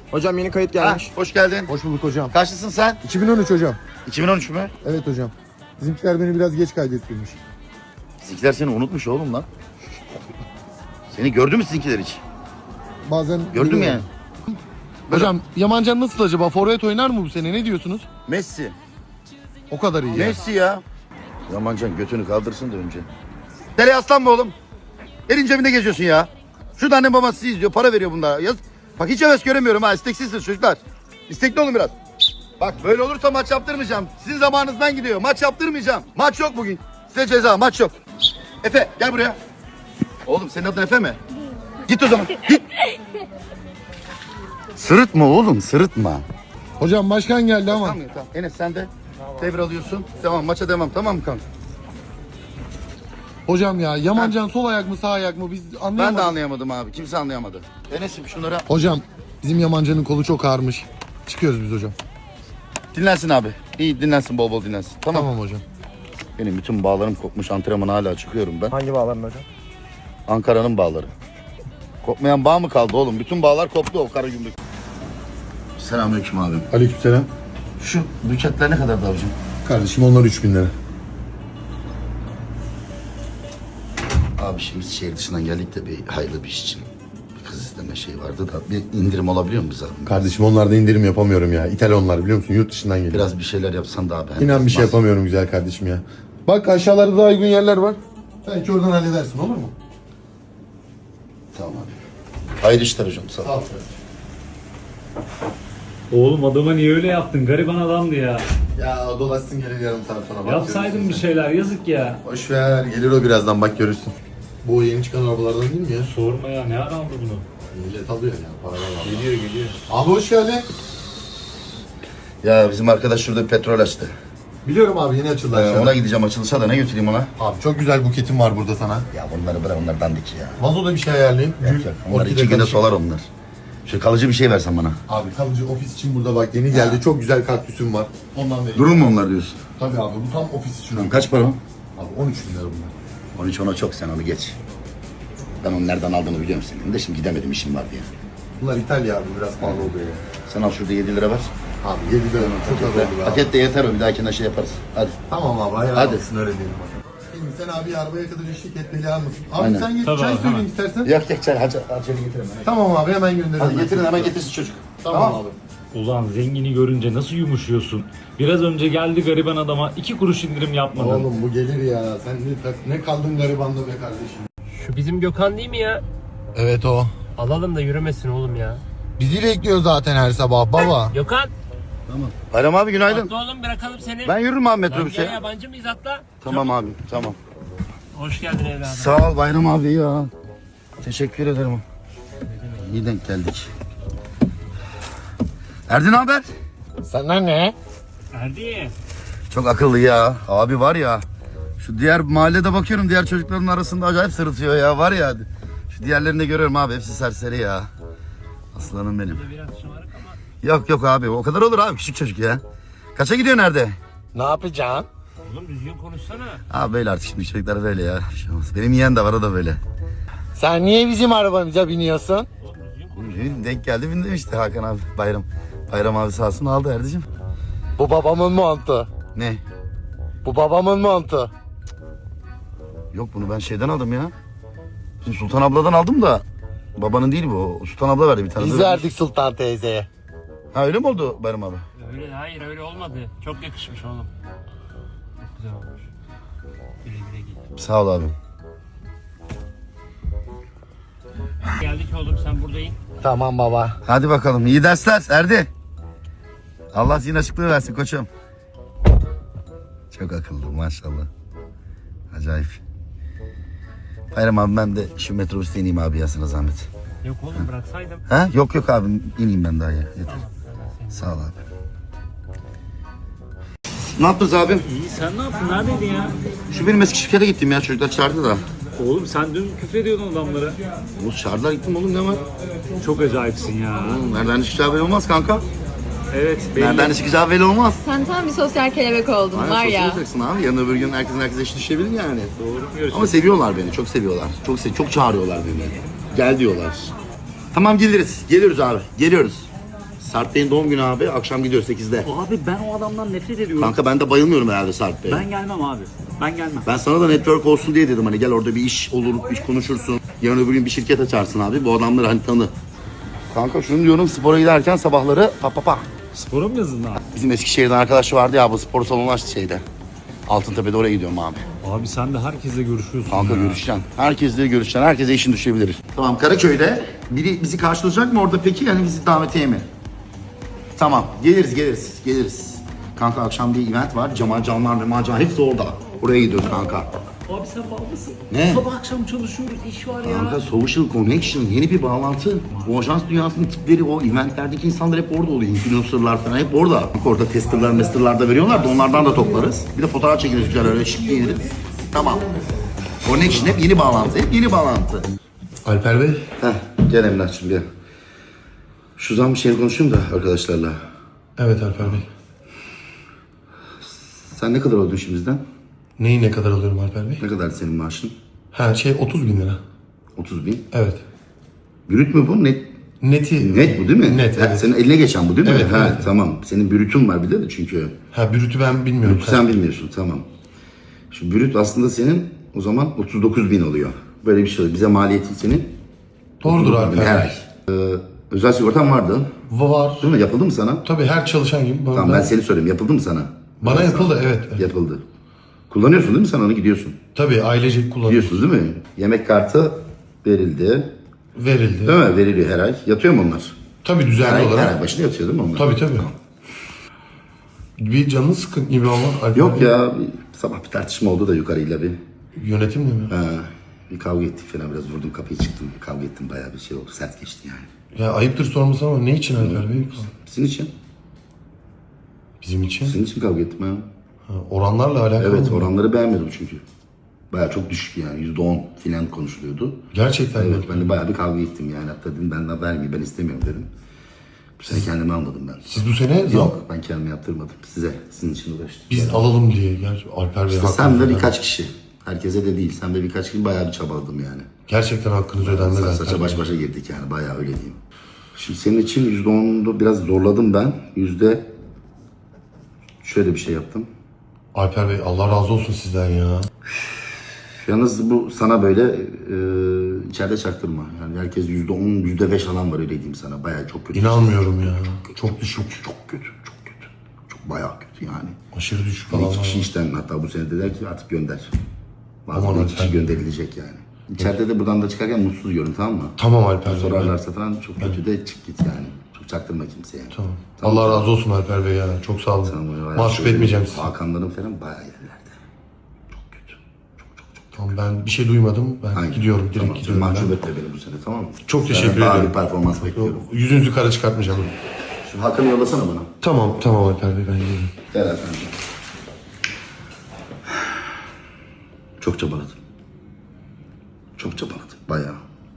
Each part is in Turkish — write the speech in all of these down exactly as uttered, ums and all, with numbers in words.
Hocam yeni kayıt gelmiş. Ha, hoş geldin. Hoş bulduk hocam. Kaçlısın sen? iki bin on üç hocam. iki bin on üç mü? Evet hocam. Bizimkiler beni biraz geç kaydettirmiş. Sizinkiler seni unutmuş oğlum lan. Seni gördü mü sizinkiler hiç? Bazen Gördüm geliyor. yani. Hocam Yamancan nasıl acaba? Forvet oynar mı bu sene? Ne diyorsunuz? Messi. O kadar iyi ya. Messi ya. Yamancan götünü kaldırsın da önce. Nereye aslan mı oğlum? Elin cebinde geziyorsun ya. Şurada annem babası sizi izliyor. Para veriyor bunlara. Yaz. Bak hiç heves göremiyorum ha. İsteksizsiniz çocuklar. İstekli olun biraz. Bak böyle olursa maç yaptırmayacağım. Sizin zamanınızdan gidiyor. Maç yaptırmayacağım. Maç yok bugün. Size ceza. Maç yok. Efe gel buraya. Oğlum senin adın Efe mi? Git o zaman. Git. Sırıtma oğlum sırıtma. Hocam başkan geldi ama. Tamam, tamam. Enes sen de devralıyorsun. Tamam maça devam tamam mı kanka? Hocam ya Yamancan sol ayak mı sağ ayak mı biz anlayamadık. Ben de anlayamadım abi. Kimse anlayamadı. Enes'im şunlara Hocam bizim Yamancan'ın kolu çok ağrımış. Çıkıyoruz biz hocam. dinlensin abi. İyi dinlensin bol bol dinlensin. Tamam. Tamam hocam. Benim bütün bağlarım kopmuş. Antrenmana hala çıkıyorum ben. Hangi bağların hocam? Ankara'nın bağları. Kopmayan bağ mı kaldı oğlum? Bütün bağlar koptu o kara gümrük. Selamünaleyküm abim. Aleykümselam. Şu buketler ne kadardı abicim? Kardeşim onlar üç bin lira. Abi şimdi biz şehir dışından geldik de bir hayırlı bir iş için. Bir kız isteme şey vardı da bir indirim olabiliyor mu bize abi? Kardeşim onlarda indirim yapamıyorum ya. İthal onlar biliyor musun? Yurt dışından geliyor. Biraz bir şeyler yapsan da abi. Hem İnan bir şey biraz- yapamıyorum güzel kardeşim ya. Bak aşağılarda daha uygun yerler var. Belki oradan halledersin olur mu? Tamam abi. Hayırlı işler hocam sağ ol. Sağ ol. Oğlum adama niye öyle yaptın? Gariban adamdı ya. Ya dolaşsın gelir yarım saat sonra. Bak, Yapsaydın görürsün bir sen. şeyler yazık ya. Boş ver gelir o birazdan bak görürsün. Bu yeni çıkan arabalardan değil mi ya? Sorma ya, ne ara aldı bunu? Millet alıyor ya paralar var. Geliyor geliyor. Abi hoş geldin. Ya bizim arkadaş şurada bir petrol açtı. Biliyorum abi yeni açıldı Ee, aşağıda. ona gideceğim açılışa da ne götüreyim ona? Abi çok güzel buketim var burada sana. Ya bunları bırak onlar dandik ya. Vazoda bir şey ayarlayayım. Yok Gül, yok onlar orkide iki günde karışık. solar onlar. Şu kalıcı bir şey versen bana. Abi kalıcı ofis için burada bak yeni geldi. Çok güzel kaktüsüm var. Ondan vereyim. Durur mu onlar diyorsun? Tabii abi bu tam ofis için. Lan kaç para o? Abi on üç bin lira bunlar. on üç ona çok sen onu geç. Ben onu nereden aldığını biliyorum senin de şimdi gidemedim işim var diye. Bunlar İtalya abi biraz pahalı oluyor ya. Sen al şurada yedi lira ver. Abi yedi lira çok az oldu be abi. Paket de yeter o bir dahakine şey yaparız. Hadi. Tamam abi hayal Hadi. olsun öyle diyelim bakalım. Şimdi sen abi arabaya kadar eşlik etmeli almasın. Abi Aynen. sen git Tabii çay abi, söyleyeyim hemen. istersen. Yok yok çay hacı acele getirin. Hadi, Tamam abi hemen gönderirim. hadi ben. getirin hemen getirsin çocuk. Tamam, abi. Ulan zengini görünce nasıl yumuşuyorsun? Biraz önce geldi gariban adama iki kuruş indirim yapmadın. Oğlum bu gelir ya. Sen ne, ne kaldın garibanda be kardeşim. Şu bizim Gökhan değil mi ya? Evet o. Alalım da yürümesin oğlum ya. Bizi bekliyor zaten her sabah baba. Gökhan, Bayram abi günaydın. atla oğlum bırakalım seni. Ben yürürüm abi Lan metrobüse. gel yabancı mıyız atla? Tamam abi tamam. Hoş geldin evladım. Sağ ol Bayram abi ya. Teşekkür ederim. İyi denk geldik. Erdin haber? Sana ne? Erdi. Çok akıllı ya. Abi var ya. Şu diğer mahallede bakıyorum diğer çocukların arasında acayip sırıtıyor ya var ya. Şu diğerlerini de görüyorum abi hepsi serseri ya. Aslanım benim. Biraz şımarık ama. Yok yok abi o kadar olur abi küçük çocuk ya. Kaça gidiyor nerede? Ne yapacaksın? Oğlum düzgün konuşsana. Abi böyle artık şimdi çocuklar böyle ya. Bir şey olmaz. Benim yeğen de var o da böyle. Sen niye bizim arabamıza biniyorsun? Oğlum düzgün konuş. Denk geldi bindim işte Hakan abi Bayram. Bayram abi sağ olsun aldı Erdicim. Bu babamın montu. Ne? Bu babamın montu. Yok bunu ben şeyden aldım ya. Şimdi Sultan abladan aldım da. Babanın değil bu. Sultan abla verdi bir tane. Biz Böyle- verdik Sultan teyzeye. Ha öyle mi oldu Bayram abi? Öyle hayır öyle olmadı. Çok yakışmış oğlum. Çok güzel olmuş. Güle güle giy. Sağ ol abim. Geldik oğlum sen buradayım. Tamam baba. Hadi bakalım iyi dersler Erdi. Allah zihin açıklığı versin koçum. Çok akıllı maşallah. Acayip. Bayram abi ben de şu metrobüste ineyim abi ya sana zahmet. Yok oğlum bıraksaydım. Ha? Yok yok abi ineyim ben daha ya. Yeter. Tamam. ben seni- Sağ ol abi. Ne yaptınız abim? İyi, sen ne yaptın? Neredeydin ya? Şu benim eski şirkete gittim ya çocuklar çağırdı da. Oğlum sen dün küfrediyordun adamlara. Bu çağırdılar gittim oğlum ne var? Çok acayipsin ya. Oğlum, nereden çıkacağı belli olmaz kanka. Evet belli. Nereden çıkacağı belli olmaz. Sen tam bir sosyal kelebek oldun Aynen, var sosyal ya. olacaksın abi. Yarın öbür gün herkesin herkese eşit düşebilir yani. Doğru mu görüşürüz? Ama seviyorlar beni, çok seviyorlar. Çok sev çok çağırıyorlar beni. Gel diyorlar. Tamam geliriz. Geliyoruz abi. Geliyoruz. Sarp Bey'in doğum günü abi. Akşam gidiyor sekizde. Abi ben o adamdan nefret ediyorum. Kanka ben de bayılmıyorum herhalde Sarp Bey'e. Ben gelmem abi. Ben gelmem. Ben sana da network olsun diye dedim hani gel orada bir iş olur, iş konuşursun. Yarın öbür gün bir şirket açarsın abi. Bu adamları hani tanı. Kanka şunu diyorum spora giderken sabahları pa pa pa. Spora mı yazın abi? Bizim Eskişehir'den arkadaş vardı ya bu spor salonu açtı şeyde. Altıntepe'de oraya gidiyorum abi. Abi sen de herkesle görüşüyorsun Kanka ya. görüşeceksin. Herkesle görüşeceksin. Herkese işin düşebilir. Tamam Karaköy'de biri bizi karşılayacak mı orada peki? Yani bizi davetiye mi? Tamam geliriz geliriz geliriz. Kanka akşam bir event var. Cemal Canlar, Memal Can hepsi orada. Oraya gidiyoruz kanka. Abi sen bağ mısın? Ne? Sabah akşam çalışıyoruz. İş var ya. Kanka social connection yeni bir bağlantı. O ajans dünyasının tipleri o eventlerdeki insanlar hep orada oluyor. Influencerlar falan hep orada. Bak orada testerlar mesterlar da veriyorlar da onlardan da toplarız. Bir de fotoğraf çekeriz güzel öyle şık giyiniriz. Tamam. Connection hep yeni bağlantı hep yeni bağlantı. Alper Bey. Heh gel Emrah'cığım gel. Şu zaman bir şey konuşayım da arkadaşlarla. Evet Alper Bey. Sen ne kadar oldun şimdiden? Neyi ne kadar alıyorum Alper Bey? Ne kadar senin maaşın? Ha şey otuz bin lira. otuz bin. Evet. Brüt mü bu? Net, Neti. net bu değil mi? Net Ha, evet. senin eline geçen bu değil mi? Evet, ha, evet. Tamam. Senin brütün var bir de de çünkü. Ha brütü ben bilmiyorum. Brütü sen bilmiyorsun tamam. Şimdi brüt aslında senin o zaman otuz dokuz bin oluyor. Böyle bir şey oluyor. Bize maliyeti senin Doğrudur otuz dokuz bin her Alper ay. Bey. Ee, özel sigortan vardı. Var. Değil mi? Yapıldı mı sana? Tabii her çalışan gibi. Bana, Tamam ben seni sorayım. Yapıldı mı sana? bana yapıldı evet. evet. Yapıldı. Kullanıyorsun değil mi sen onu gidiyorsun? Tabii ailecek kullanıyoruz. Gidiyorsunuz değil mi? Yemek kartı verildi. Verildi. Değil mi? Veriliyor her ay. Yatıyor mu onlar? Tabii Her düzenli ay, her olarak. ay başına yatıyor değil mi onlar? Tabii tabii. Bir canın sıkın gibi ama Alper Yok Bey. ya bir, sabah bir tartışma oldu da yukarıyla bir. Yönetimle mi? Ha, bir kavga ettik falan biraz vurdum kapıyı çıktım. Kavga ettim bayağı bir şey oldu. Sert geçti yani. Ya ayıptır sorması ama ne için Alper Bey? Sizin için. Bizim için. Sizin için kavga ettim ha. Ha, oranlarla alakalı Evet mı? oranları beğenmedim çünkü. Bayağı çok düşük yani. yüzde on filan konuşuluyordu. Gerçekten mi? Evet ben de bayağı bir kavga ettim yani. Hatta dedim ben de vermeyeyim ben istemiyorum dedim. Bu sene kendime almadım ben. Siz bu sene zam- Yok ben kendime yaptırmadım. Size sizin için uğraştım. biz alalım diye. Gerçi Alper Bey İşte hakkınızı sen de ödenmez. birkaç kişi. Herkese de değil. Sen de birkaç kişi bayağı bir çabaladım yani. Gerçekten hakkınız ödenmez Sa- Alper Saça Bey. baş başa girdik yani bayağı öyle diyeyim. Şimdi senin için yüzde onunu biraz zorladım ben. Yüzde şöyle bir şey yaptım. Alper Bey Allah razı olsun sizden ya. Yalnız bu sana böyle e, içeride çaktırma. Yani herkes yüzde on, yüzde beş alan var öyle diyeyim sana. Bayağı çok kötü. İnanmıyorum ya. Çok düşük. Çok kötü, çok kötü. Çok bayağı kötü yani. Aşırı düşük Yani falan iki var. kişi işten hatta bu sene dediler ki artık gönder. Aman Bazen de iki Alper. kişi gönderilecek yani. İçeride de buradan da çıkarken mutsuz görün tamam mı? Tamam Alper Bey. Sorarlarsa falan çok kötü de çık git yani. Çok çaktırma kimseye. Tamam. Allah razı olsun Alper Bey ya. Çok sağ olun. Tamam, bayağı Mahcup şöyle etmeyeceğim sizi. Hakanların falan bayağı yerlerde. Çok kötü. Tamam ben bir şey duymadım. Ben Aynen. gidiyorum. Direkt Tamam, gidiyorum. ben. mahcup etme beni bu sene tamam mı? Çok teşekkür Senden daha ederim. bir performans bekliyorum. Yüzünüzü kara çıkartmayacağım. Şu Hakan'ı yollasana bana. Tamam tamam Alper Bey ben geliyorum. Gel efendim. Çok çabaladım. Çok çabaladım. Bayağı.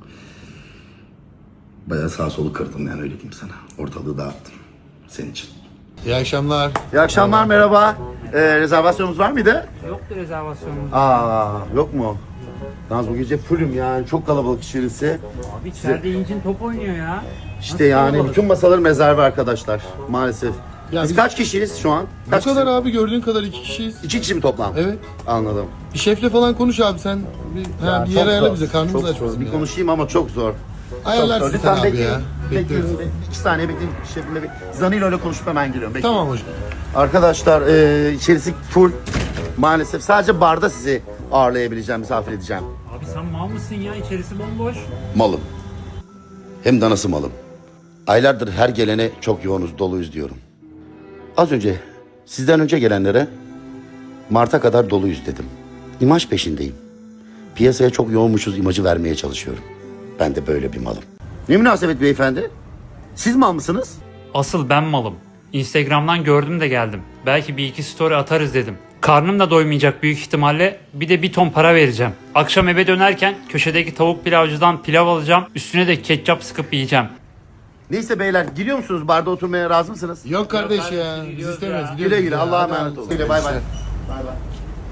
Bayağı sağ solu kırdım yani öyle diyeyim sana. Ortalığı dağıttım. Senin için. İyi akşamlar. İyi akşamlar merhaba. Ee, rezervasyonumuz var mıydı? Yoktu rezervasyonumuz. Aa yok mu? Yalnız bu gece fullüm yani çok kalabalık içerisi. Abi içeride incin top oynuyor ya. İşte yani bütün masaların rezervi arkadaşlar maalesef. Ya biz, biz- kaç kişiyiz şu an? Bu Kaç kadar kişi? abi gördüğün kadar iki kişiyiz. İki kişi mi toplam? Evet. Anladım. Bir şefle falan konuş abi sen. Bir, ha, Ya bir çok yer ayarla zor, bize karnımız çok aç zor. bizim Bir ya. konuşayım ama çok zor. Ayarlarsın Çok zor. sen Lütfen abi bekleyin. ya. Bekliyorum. Bekliyoruz. İki saniye bekleyin. Şefimle bir Zanilo ile konuşup hemen geliyorum. Bekleyin. Tamam hocam. Arkadaşlar e, içerisi full. Maalesef sadece barda sizi ağırlayabileceğim, misafir edeceğim. Abi sen mal mısın ya? İçerisi bomboş. Malım. Hem de nasıl malım. Aylardır her gelene çok yoğunuz, doluyuz diyorum. Az önce sizden önce gelenlere Mart'a kadar doluyuz dedim. İmaj peşindeyim. Piyasaya çok yoğunmuşuz imajı vermeye çalışıyorum. Ben de böyle bir malım. Ne münasebet beyefendi? Siz mal mısınız? Asıl ben malım. Instagram'dan gördüm de geldim. Belki bir iki story atarız dedim. Karnım da doymayacak büyük ihtimalle. Bir de bir ton para vereceğim. Akşam eve dönerken köşedeki tavuk pilavcıdan pilav alacağım. Üstüne de ketçap sıkıp yiyeceğim. Neyse beyler giriyor musunuz? Barda oturmaya razı mısınız? Yok kardeş ya. Biz istemiyoruz. Güle gidiyoruz güle ya. Allah'a Hadi emanet abi. olun. Güle bay bay. Bay bay.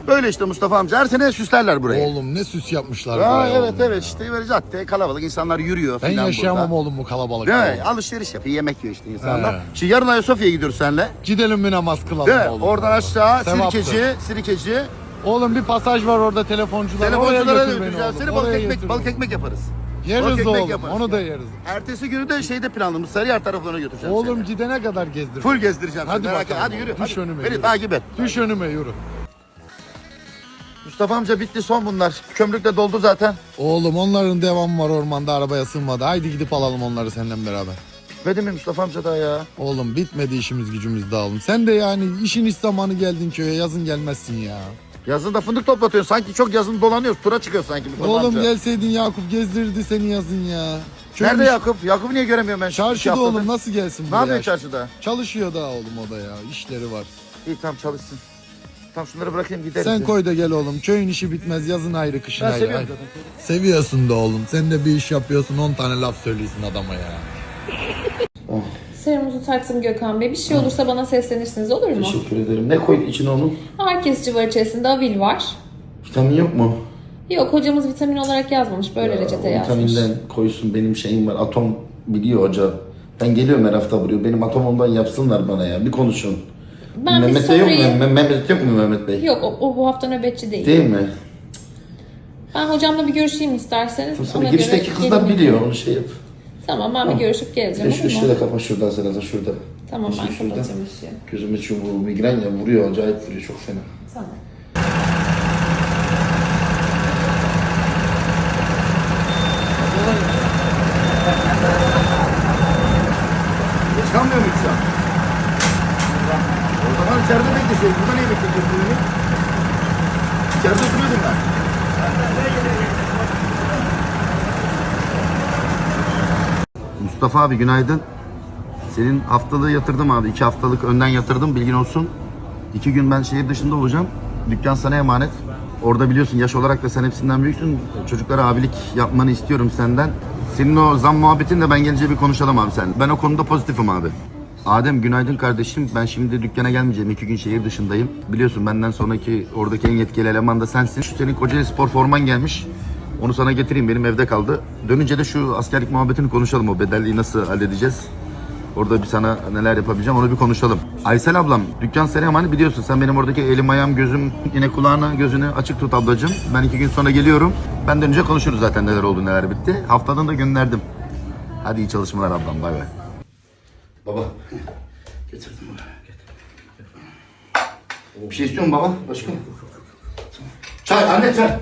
Böyle işte Mustafa amca. Her sene süslerler burayı. Oğlum ne süs yapmışlar. Aa, buraya evet oğlum evet ya. işte böyle cadde kalabalık insanlar yürüyor Ben filan yaşayamam burada. oğlum bu kalabalık. Değil mi? Alışveriş yapıyor, yemek yiyor işte insanlar. He. Şimdi yarın Ayasofya'ya gidiyoruz seninle. Gidelim bir namaz kılalım Değil mi? oğlum. Oradan aşağı Sevaptır. Sirkeci, Sirkeci. Oğlum bir pasaj var orada telefoncular. Telefonculara Oraya götür beni götüreceğiz. oğlum. Seni balık Oraya ekmek, götür balık beni. ekmek yaparız. Balık Yeriz ekmek oğlum. yaparız. Onu da yeriz. Ertesi günü de şeyde planlamış. Sarıyer taraflarına götüreceğim Oğlum seni. gidene kadar gezdir. Full gezdireceğim Hadi seni. Merak etme. bakalım Hadi yürü. oğlum. Düş Hadi. önüme, Beni yürü. takip et. Düş önüme yürü. Mustafa amca bitti son bunlar. Kömrük de doldu zaten. Oğlum onların devamı var ormanda arabaya sığmadı. Haydi gidip alalım onları senden beraber. Bitmedi mi Mustafa amca daha ya? Oğlum bitmedi işimiz gücümüz dağılım. Sen de yani işin iş zamanı geldin köye yazın gelmezsin ya. Yazın da fındık toplatıyorsun. Sanki çok yazın dolanıyoruz. Tura çıkıyor sanki Mustafa Oğlum amca. gelseydin Yakup gezdirirdi seni yazın ya. Köyün Nerede iş- Yakup? Yakup'u niye göremiyorum ben? şu iki Çarşıda haftadır? oğlum nasıl gelsin Ne buraya? yapıyor çarşıda? Çalışıyor da oğlum o da ya işleri var. İyi tamam çalışsın. Tamam şunları bırakayım gideriz. Sen ya. koy da gel oğlum. Köyün işi bitmez yazın ayrı kışın Ben ayrı. seviyorum Ay- zaten. Seviyorsun da oğlum. Sen de bir iş yapıyorsun on tane laf söylüyorsun adama ya. Serumuzu taktım Gökhan Bey. Bir şey olursa bana seslenirsiniz olur mu? Teşekkür ederim. Ne koydun içine onun? Ağrı kesici var içerisinde, Avil var. Vitamin yok mu? Yok, hocamız vitamin olarak yazmamış. Böyle reçete yazmış. Vitaminden koysun benim şeyim var. Atom biliyor hoca. Ben geliyorum her hafta buraya. Benim atomumdan yapsınlar bana ya. Bir konuşun. Ben bir Mehmet Bey yok mu? sorayım. Me- Mehmet yok mu Mehmet Bey? Yok, o, o bu hafta nöbetçi değil. Değil mi? Ben hocamla bir görüşeyim isterseniz. Sonra Ona girişteki göre kızlar gelin. biliyor onu şey yap. Tamam, ben bir görüşüp geleceğim. E şu olur mu? şurada kapat şuradan sen de şurada. Tamam, ben Şu şurada. kapatacağım işi. Gözüme şu bu migren ya vuruyor acayip vuruyor çok fena. Tamam. Çıkamıyor muyuz şu an? O zaman içeride bekleseydin. Burada niye bekletiyorsun beni? İçeride oturuyordum ben. Mustafa abi günaydın. Senin haftalığı yatırdım abi. İki haftalık önden yatırdım bilgin olsun. İki gün ben şehir dışında olacağım. Dükkan sana emanet. Orada biliyorsun yaş olarak da sen hepsinden büyüksün. Çocuklara abilik yapmanı istiyorum senden. Senin o zam muhabbetin de ben gelince bir konuşalım abi sen. Ben o konuda pozitifim abi. Adem günaydın kardeşim. Ben şimdi dükkana gelmeyeceğim. İki gün şehir dışındayım. Biliyorsun benden sonraki oradaki en yetkili eleman da sensin. Şu senin Kocaeli Spor forman gelmiş. Onu sana getireyim. Benim evde kaldı. Dönünce de şu askerlik muhabbetini konuşalım. O bedelliği nasıl halledeceğiz? Orada bir sana neler yapabileceğim onu bir konuşalım. Aysel ablam dükkan sana emanet biliyorsun. Sen benim oradaki elim ayağım gözüm yine kulağını gözünü açık tut ablacığım. Ben iki gün sonra geliyorum. Ben dönünce konuşuruz zaten neler oldu neler bitti. Haftadan da gönderdim. Hadi iyi çalışmalar ablam bay bay. Baba getirdim bunu. Bir şey istiyor musun baba? Başka? Çay anne çay.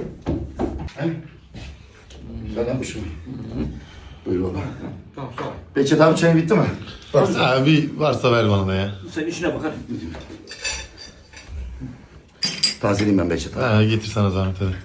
Ben yapmışım. Buyur baba. Tamam sağ ol. Behçet abi çayın bitti mi? Ha, bir varsa ver bana da ya. Sen işine bakar. Tazeleyeyim ben Behçet abi. Ha, getir sana zahmet hadi.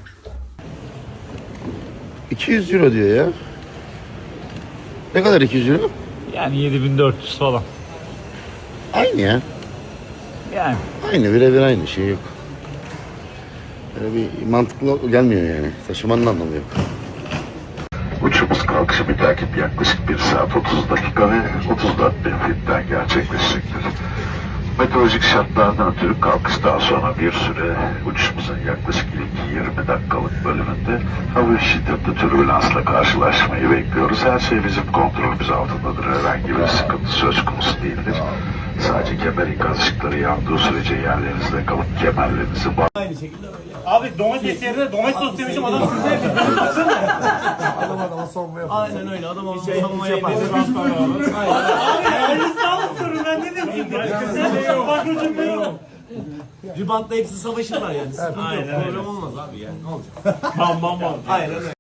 iki yüz euro diyor ya. Ne kadar iki yüz euro? Yani yedi bin dört yüz falan. Aynı ya. Yani. Aynı birebir aynı şey yok. Böyle bir mantıklı gelmiyor yani. Taşımanın anlamı yok. Uçuşumuz kalkışı bir takip yaklaşık bir saat otuz dakika ve otuz dört bin fitten gerçekleşecektir. Meteorolojik şartlardan ötürü kalkış daha sonra bir süre uçuşumuzun yaklaşık ilk yirmi dakikalık bölümünde hafif şiddetli türbülansla karşılaşmayı bekliyoruz. Her şey bizim kontrolümüz altındadır. Herhangi bir sıkıntı söz konusu değildir. Sadece kemer ikaz ışıkları yandığı sürece yerlerinizde kalıp kemerlerinizi bağ- Abi domates yerine domates sos demişim adam güzel bir adam adama savunma yapıyor. Aynen öyle adam adama savunma yapıyor. Abi aynı sağlıklıyorum ben ne diyorsun? Bak hocam yok. Ribantla hepsi savaşırlar yani. Sıkıntı yok. Problem olmaz abi yani. Ne olacak? Bam bam bam. Aynen öyle.